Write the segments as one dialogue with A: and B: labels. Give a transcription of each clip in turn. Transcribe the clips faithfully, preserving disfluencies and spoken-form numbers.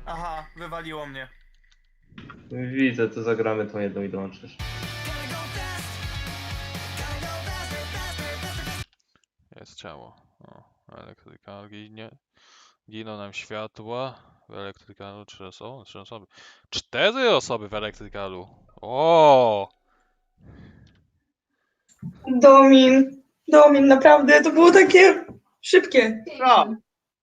A: Aha, wywaliło mnie.
B: Widzę, to zagramy tą jedną i dołączysz.
C: Jest ciało. O, elektryka ginie. Giną nam światła. W elektrykalu trzy osoby. Trzy osoby. Cztery osoby w elektrykalu. O!
D: Domin, Domin, naprawdę, to było takie szybkie.
E: Co?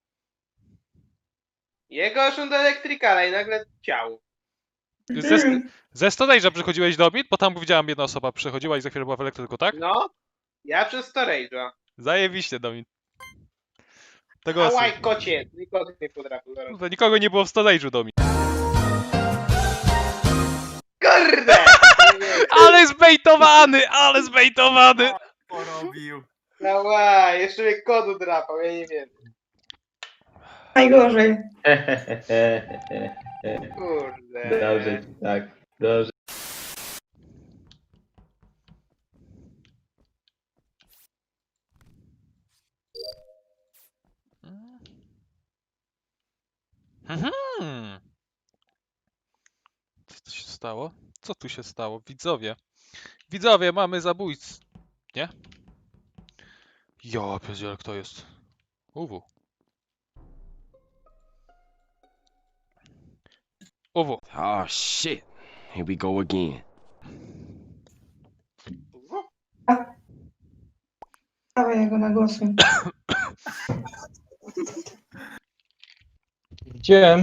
E: Jego szum do elektrykala i nagle ciało.
C: Ze, st- ze storage'a przychodziłeś do mit, bo tam widziałam jedna osoba przychodziła i za chwilę była w elektryku, tak?
E: No, ja przez storage'a.
C: Zajebiście, Domit. To
E: A
C: głosuj.
E: łaj, kocie, i kot mnie podrapił zaraz.
C: Kurde, nikogo nie było w storage'u, Domit.
E: Kurde!
C: Ale zbejtowany, ale zbejtowany!
A: Porobił.
E: No łaj, jeszcze mnie kot drapał, ja nie wiem.
D: Najgorzej.
E: Kurde.
B: Dobrze, tak, dobrze.
C: Mhm. Co tu się stało? Co tu się stało? Widzowie. Widzowie, mamy zabójcę. Nie? Ja pierdzielę, kto jest? Uwu. Uwu.
F: Oh shit. Here we go again.
D: Dawaj jego na głosy.
G: Widziałem.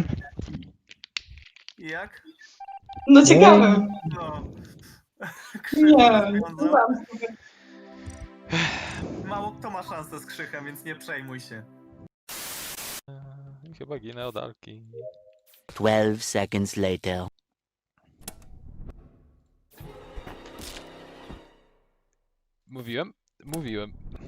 A: I jak?
D: No ciekawe.
A: No.
D: Nie,
A: Krzyk
D: to sam sobie.
A: Mało kto ma szansę z krzychem, więc nie przejmuj się.
C: Eee, Chyba ginę od Alki.
H: Twelve seconds later.
C: Mówiłem? Mówiłem.